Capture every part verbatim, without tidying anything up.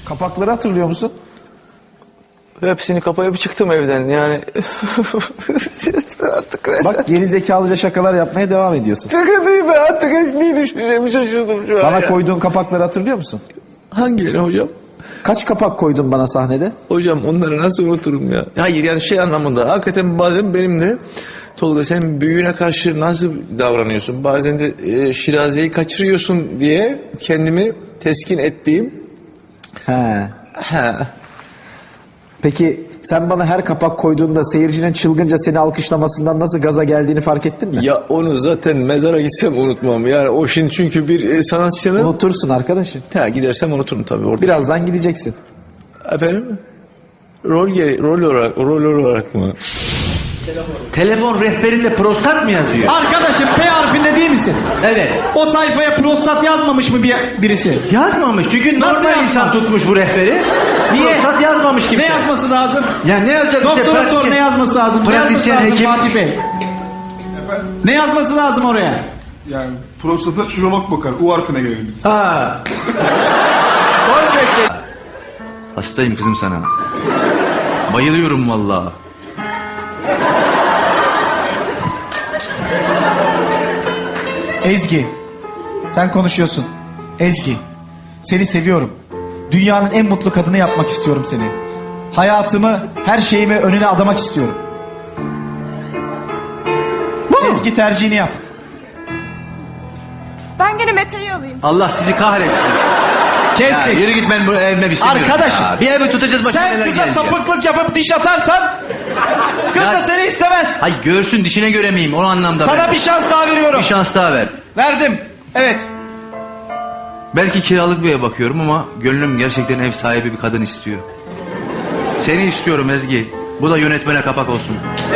Kapakları hatırlıyor musun? Hepsini kapayıp çıktım evden yani. Artık Bak geri zekalıca şakalar yapmaya devam ediyorsun. şaka değil mi? Artık hiç neyi düşüneceğimi şaşırdım şu an. Bana ya. koyduğun kapakları hatırlıyor musun? Hangileri hocam? Kaç kapak koydun bana sahnede? Hocam onları nasıl unuturum ya? Hayır yani şey anlamında. Hakikaten bazen benim de Tolga sen büyüğüne karşı nasıl davranıyorsun? Bazen de e, Şiraze'yi kaçırıyorsun diye kendimi teskin ettiğim. He. He. Peki sen bana her kapak koyduğunda seyircinin çılgınca seni alkışlamasından nasıl gaza geldiğini fark ettin mi? Ya onu zaten mezara gitsem unutmam. Yani o şimdi çünkü bir e, sanatçının... Unutursun arkadaşım. Ha, gidersem unuturum tabii orada. Birazdan gideceksin. Efendim? Rol geri, rol olarak, rol olarak mı? Telefon rehberinde prostat mı yazıyor? Arkadaşım P harfinde değil misin? Evet. O sayfaya prostat yazmamış mı bir, birisi? Yazmamış çünkü Nasıl normal yazmaz? insan tutmuş bu rehberi. Niye? Prostat yazmamış kimse. Ne yazması lazım? Ya ne yazacak işte Doktora sor pratisyen- ne yazması lazım? Ne yazması pratisyen, lazım hekim. Fatih Bey? Ne yazması lazım oraya? Yani prostata ürolog bakar. U harfine gelelim biz. Ha. Hastayım kızım sana. Bayılıyorum vallahi. Ezgi. Sen konuşuyorsun. Ezgi. Seni seviyorum. Dünyanın en mutlu kadını yapmak istiyorum seni. Hayatımı, her şeyimi önüne adamak istiyorum. Ezgi tercihini yap. Ben gene Mete'yi alayım. Allah sizi kahretsin. Ya Kestik. yürü git ben bu evime bir istemiyorum. Arkadaşım. Ya. Bir evi tutacağız başına Sen neler kıza gelecek. sapıklık yapıp diş atarsan kız Ya- da seni istemez. Hay görsün dişine göre miyim o anlamda. Sana ben. bir şans daha veriyorum. Bir şans daha ver. Verdim. Evet. Belki kiralık bir eve bakıyorum ama gönlüm gerçekten ev sahibi bir kadın istiyor. Seni istiyorum Ezgi. Bu da yönetmene kapak olsun.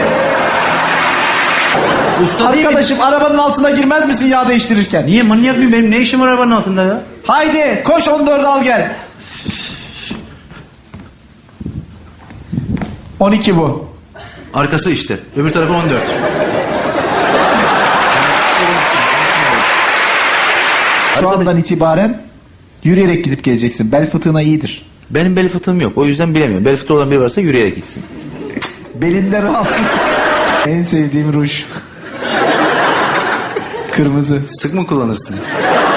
Usta değil mi? Arkadaşım arabanın altına girmez misin yağ değiştirirken? Niye manyak mıyım benim ne işim var arabanın altında ya? Haydi koş on dördü al gel. on iki bu. Arkası işte. Öbür tarafı on dört. Şu andan itibaren yürüyerek gidip geleceksin. Bel fıtığına iyidir. Benim bel fıtığım yok. O yüzden bilemiyorum. Bel fıtığı olan biri varsa yürüyerek gitsin. Belinde rahatsız. En sevdiğim ruj. Kırmızı. Sık mı kullanırsınız?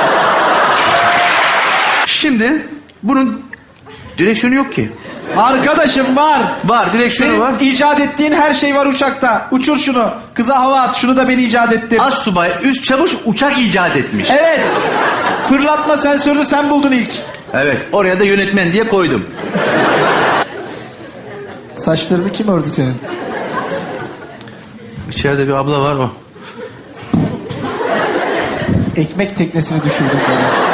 Şimdi bunun direksiyonu yok ki. Arkadaşım var. Var direksiyonu Senin var. icat ettiğin her şey var uçakta. Uçur şunu. Kıza hava at. Şunu da ben icat ettim. Az subay üst çavuş uçak icat etmiş. Evet. Fırlatma sensörünü sen buldun ilk. Evet oraya da yönetmen diye koydum. Saçlarını kim ördü senin? İçeride bir abla var o. Ekmek teknesini düşürdüm bana.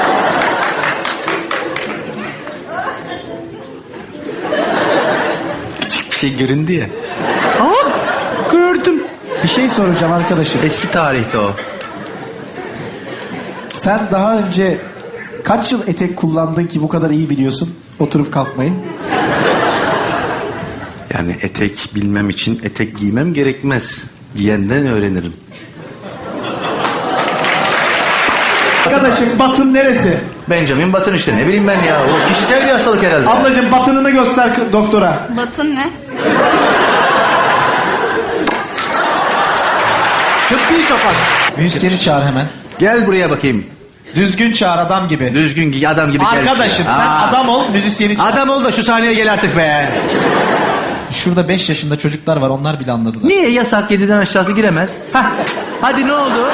Küçük bir şey göründü ya. Aa gördüm. Bir şey soracağım arkadaşım. Eski tarihte o. Sen daha önce kaç yıl etek kullandın ki bu kadar iyi biliyorsun oturup kalkmayı? Yani etek bilmem için etek giymem gerekmez. Giyenden öğrenirim. Arkadaşım batın neresi? Benjamin Button işte ne bileyim ben ya. O kişisel bir hastalık herhalde. Ablacığım batınını göster k- doktora. Batın ne? Tıbbi kapak. Müzisyeni çağır hemen. Gel buraya bakayım. Düzgün çağır adam gibi. Düzgün giy adam gibi gel. Arkadaşım sen Aa. adam ol müzisyeni çağır. Adam ol da şu sahneye gel artık be. Şurada beş yaşında çocuklar var onlar bile anladılar. Niye yasak yediden aşağısı giremez? Hah. Hadi ne oldu?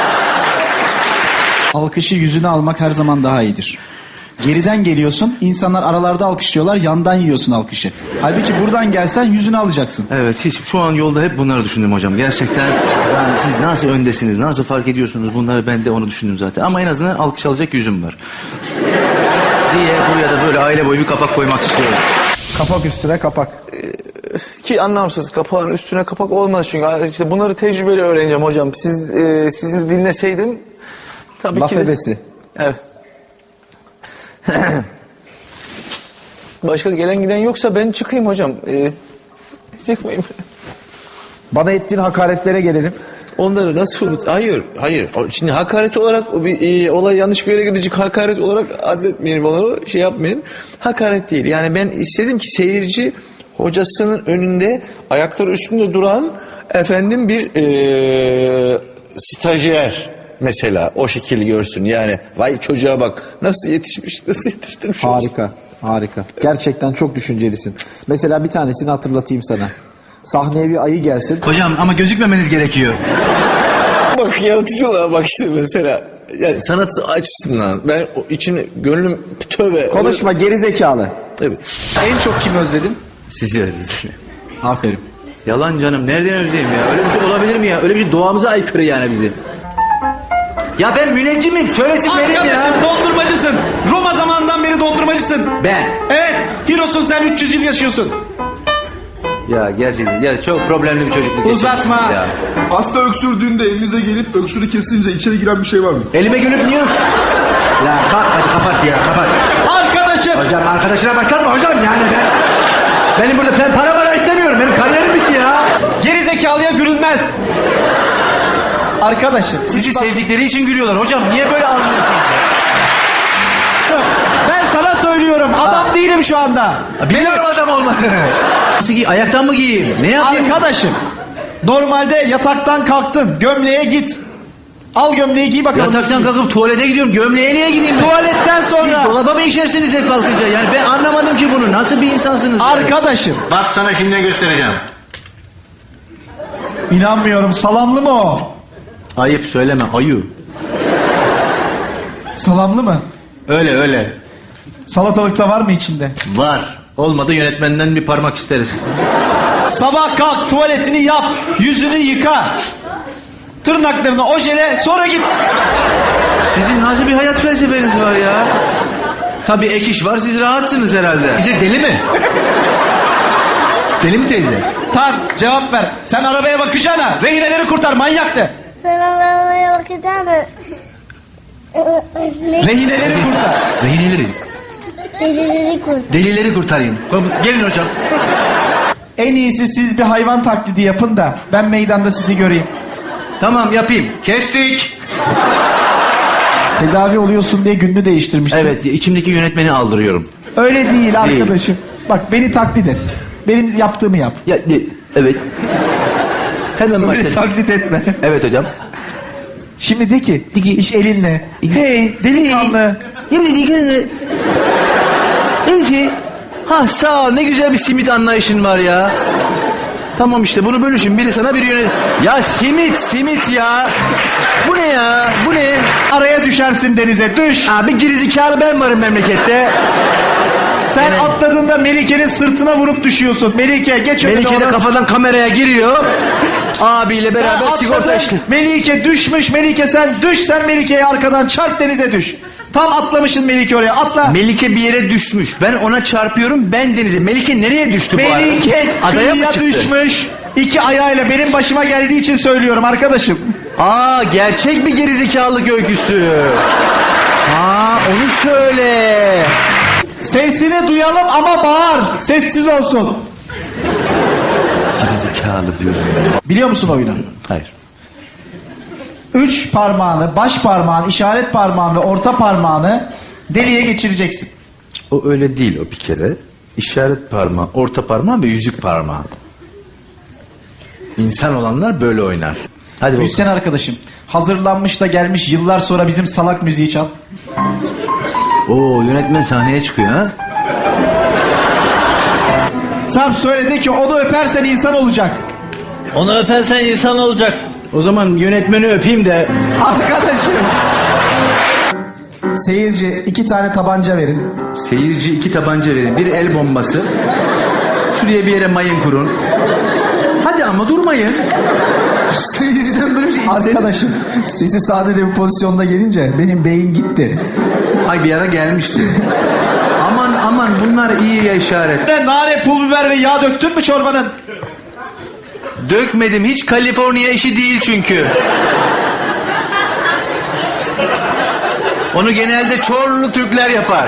Alkışı yüzüne almak her zaman daha iyidir. Geriden geliyorsun, insanlar aralarda alkışlıyorlar, yandan yiyorsun alkışı. Halbuki buradan gelsen yüzüne alacaksın. Evet hiç şu an yolda hep bunları düşündüm hocam. Gerçekten yani siz nasıl öndesiniz, nasıl fark ediyorsunuz bunları ben de onu düşündüm zaten. Ama en azından alkış alacak yüzüm var. Diye buraya da böyle aile boyu bir kapak koymak istiyorum. Kapak üstüne kapak. Ki anlamsız kapağın üstüne kapak olmaz çünkü işte bunları tecrübeyle öğreneceğim hocam. Siz e, sizi dinleseydim tabii Laf ki de- ebesi. Evet. Başka gelen giden yoksa ben çıkayım hocam. Ee, çıkmayayım. Bana ettiğin hakaretlere gelelim. onları nasıl unut? Hayır, hayır. O- Şimdi hakaret olarak o bir e, olay yanlış bir yere gidecek hakaret olarak adletmeyelim onu, şey yapmayın. Hakaret değil. Yani ben istedim ki seyirci hocasının önünde ayakları üstünde duran efendim bir e, stajyer mesela o şekilde görsün. Yani vay çocuğa bak nasıl yetişmiş, nasıl yetiştirmiş. olsun. Harika, harika. Gerçekten çok düşüncelisin. Mesela bir tanesini hatırlatayım sana. Sahneye bir ayı gelsin. Hocam ama gözükmemeniz gerekiyor. Bak yaratıcılığa bak işte mesela. Yani sanat açısından ben o içim gönlüm tövbe. Konuşma geri zekalı. Evet. En çok kimi özledin? Sizi özledim. Aferin. Yalan canım. Nereden özleyeyim ya? Öyle bir şey olabilir mi ya? Öyle bir şey doğamıza aykırı yani bizim. Ya ben müneccimim. Söylesin benim ya. Arkadaşım dondurmacısın. Roma zamanından beri dondurmacısın. Ben. Evet. Hirosun sen üç yüz yıl yaşıyorsun. Ya gerçekten. Ya çok problemli bir çocukluk Uzatma. geçirmişsiniz ya. Hasta öksürdüğünde elinize gelip öksürü kesilince içeri giren bir şey var mı? Elime gülüp niye? Ya kalk hadi kapat ya kapat. Arkadaşım. Hocam arkadaşına başlatma hocam yani ben. Benim burada ben para para istemiyorum. Benim kariyerim bitti ya. Geri zekalıya gülünmez. Arkadaşım. Sizi sevdikleri için gülüyorlar hocam. Niye böyle anlıyorsunuz? Ben sana söylüyorum. Adam değilim şu anda. Biliyorum adam olmadığını. Nasıl giy? Ayaktan mı giyeyim? Ne yapayım? Arkadaşım. Normalde yataktan kalktın. Gömleğe git. Al gömleği giy bakalım. Yataktan kalkıp tuvalete gidiyorum. Gömleğe niye gideyim ben? Tuvaletten Siz sonra. dolaba mı işersiniz hep kalkınca? Yani ben anlamadım ki bunu. Nasıl bir insansınız? ya? Arkadaşım. Bak sana şimdi göstereceğim. İnanmıyorum. Salamlı mı o? Ayıp söyleme. Ayu. Salamlı mı? Öyle öyle. Salatalıkta var mı içinde? Var. Olmadı yönetmenden bir parmak isteriz. Sabah kalk, tuvaletini yap, yüzünü yıka. Tırnaklarını ojele, sonra git. Sizin nasıl bir hayat felsefeniz var ya? Tabii ek iş var, siz rahatsınız herhalde. Bize deli mi? Deli mi teyze? Tan, cevap ver. Sen arabaya bakacağına, rehineleri kurtar, manyaktı. Sen arabaya bakacağına. Ne? Rehineleri kurtar. Rehineleri, Delileri kurt. delileri kurtarayım. Gelin hocam. En iyisi siz bir hayvan taklidi yapın da ben meydanda sizi göreyim. Tamam yapayım. Kestik. Tedavi oluyorsun diye gününü değiştirmişsin. Evet, içimdeki yönetmeni aldırıyorum. Öyle değil arkadaşım. Bak beni taklit et. Benim yaptığımı yap. Ya, de- evet. Hemen Beni başlayalım. taklit etme. Evet hocam. Şimdi de ki, de ki iş elinle. Hey delikanlı. Yemin ediyorum. Ece. Ha sağ ol, ne güzel bir simit anlayışın var ya. Tamam işte bunu bölüşün, biri sana biri yönet. Ya simit simit ya. Bu ne ya, bu ne? Araya düşersin denize, düş. Abi gerizekalı ben varım memlekette. Sen Evet. atladığında Melike'nin sırtına vurup düşüyorsun. Melike geç önüne. Melike de onu. kafadan kameraya giriyor. Abiyle Ben beraber sigorta atladım. işli. Melike düşmüş. Melike sen düş, sen Melike'ye arkadan çarp, denize düş. Tam atlamışsın Melike oraya. Atla. Melike bir yere düşmüş. Ben ona çarpıyorum, ben denize. Melike nereye düştü bu arada? Melike Adaya mı kıyıya çıktı? düşmüş. İki ayağıyla benim başıma geldiği için söylüyorum arkadaşım. Aa, gerçek bir gerizekalılık öyküsü. Aa, onu söyle. Sesini duyalım ama bağır. Sessiz olsun. Gerizekalı diyorum. Biliyor musun oyunu? Hayır. Üç parmağını, baş parmağını, işaret parmağını ve orta parmağını deliğe geçireceksin. O öyle değil o bir kere. İşaret parmağı, orta parmağı ve yüzük parmağı. İnsan olanlar böyle oynar. Hadi bakalım. Müzisyen arkadaşım. Hazırlanmış da gelmiş yıllar sonra bizim salak müziği çal. Oo, yönetmen sahneye çıkıyor ha. Sam söyledi ki onu öpersen insan olacak. Onu öpersen insan olacak. O zaman yönetmeni öpeyim de. Arkadaşım. Seyirci iki tane tabanca verin. Seyirci iki tabanca verin. Bir el bombası. Şuraya bir yere mayın kurun. Hadi ama durmayın. Seyirciden böyle bir şey istedim. Arkadaşım sizi sahnede bir pozisyonda gelince benim beyin gitti. Ay bir ara gelmişti. Aman aman bunlar iyi ya işaret. Nane, pul biber ve yağ döktün mü çorbanın? Dökmedim, hiç Kaliforniya işi değil çünkü. Onu genelde Çorlu Türkler yapar.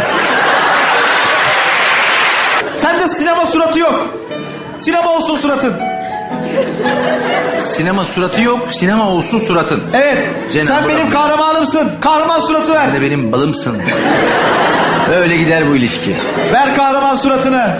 Sende sinema suratı yok. Sinema olsun suratın. Sinema suratı yok, sinema olsun suratın. Evet. Cenab-ı Sen benim Rabbim. kahramanımsın. Kahraman suratı ver. Sen de benim balımsın. Öyle gider bu ilişki. Ver kahraman suratını.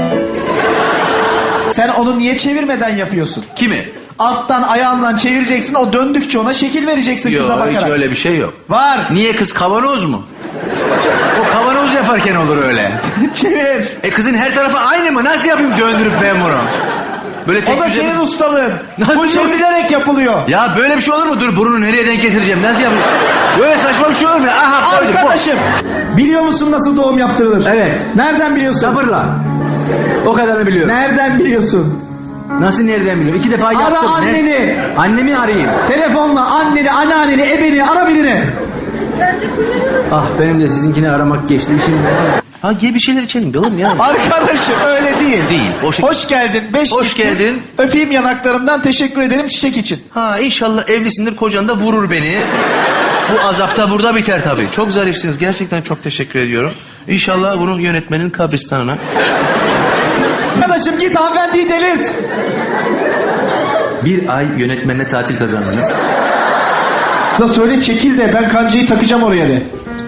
Sen onu niye çevirmeden yapıyorsun? Kimi? Alttan ayağından çevireceksin. O döndükçe ona şekil vereceksin kıza Yok, bakarak. hiç öyle bir şey yok. Var. Niye kız kavanoz mu? O kavanoz yaparken olur öyle. Çevir. E kızın her tarafı aynı mı? Nasıl yapayım döndürüp ben bunu? Böyle tek O da düze- senin ustalığın. Nasıl Bu yok? çevrilerek yapılıyor. Ya böyle bir şey olur mu? Dur burunu nereye denk getireceğim? Nasıl yapayım? Böyle saçma bir şey olur mu? Aha koydum. Arkadaşım. Biliyor musun nasıl doğum yaptırılır? Evet. Nereden biliyorsun? Sabırla. O kadarını biliyorum. Nereden biliyorsun? Nasıl nereden biliyorum? İki defa yaptım. Ara Ne? anneni. Annemi arayayım. Telefonla anneni, anneanneni, ebeni ara birini. Ah benim de sizinkini aramak geçti. Şimdi. Ha gel bir şeyler içelim oğlum ya. Arkadaşım öyle değil. Değil, o şekil- Hoş geldin. Beş Hoş gittin. geldin. Öpeyim yanaklarından, teşekkür ederim çiçek için. Ha inşallah evlisindir, kocan da vurur beni. Bu azap da burada biter tabii. Çok zarifsiniz. Gerçekten çok teşekkür ediyorum. İnşallah bunu yönetmenin kabristanına. Arkadaşım git hanımefendiyi delirt. Bir ay yönetmenle tatil kazandınız. Da söyle çekil de ben kancayı takacağım oraya de.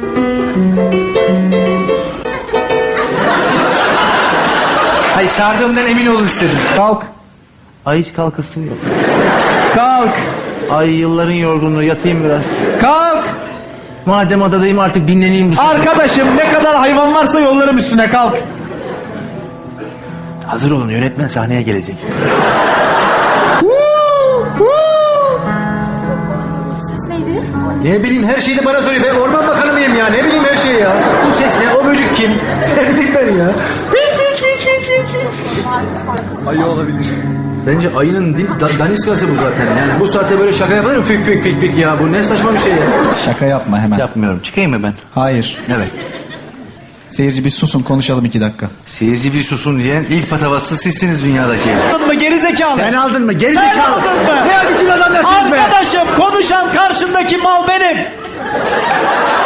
Hayır sardığımdan emin olun istedim. Kalk. Ay hiç kalkasın yok. Kalk. Ay yılların yorgunluğu yatayım biraz. Kalk. Madem adadayım artık dinleneyim bu sefer. Arkadaşım ne kadar hayvan varsa yollarım üstüne kalk. Hazır olun yönetmen sahneye gelecek. Ne bileyim her şeyi de bana soruyor. Ben orman bakanı mıyım ya? Ne bileyim her şeyi ya. Bu ses ne? O böcek kim? Ne bileyim ben ya. Ayı olabilir. Bence ayının değil, da, daniskası bu zaten. Yani bu saatte böyle şaka yapılır mı? Fik fik fik fik ya. Bu ne saçma bir şey ya. Şaka yapma hemen. Yapmıyorum. Çıkayım mı ben? Hayır. Evet. Seyirci bir susun konuşalım iki dakika. Seyirci bir susun diyen ilk patavatsız sizsiniz dünyadaki. Aldın mı gerizekalı? Sen aldın mı? Geri Sen zekalı. aldın mı? Ne biçim adamlarsınız be? Arkadaşım konuşan karşındaki mal benim.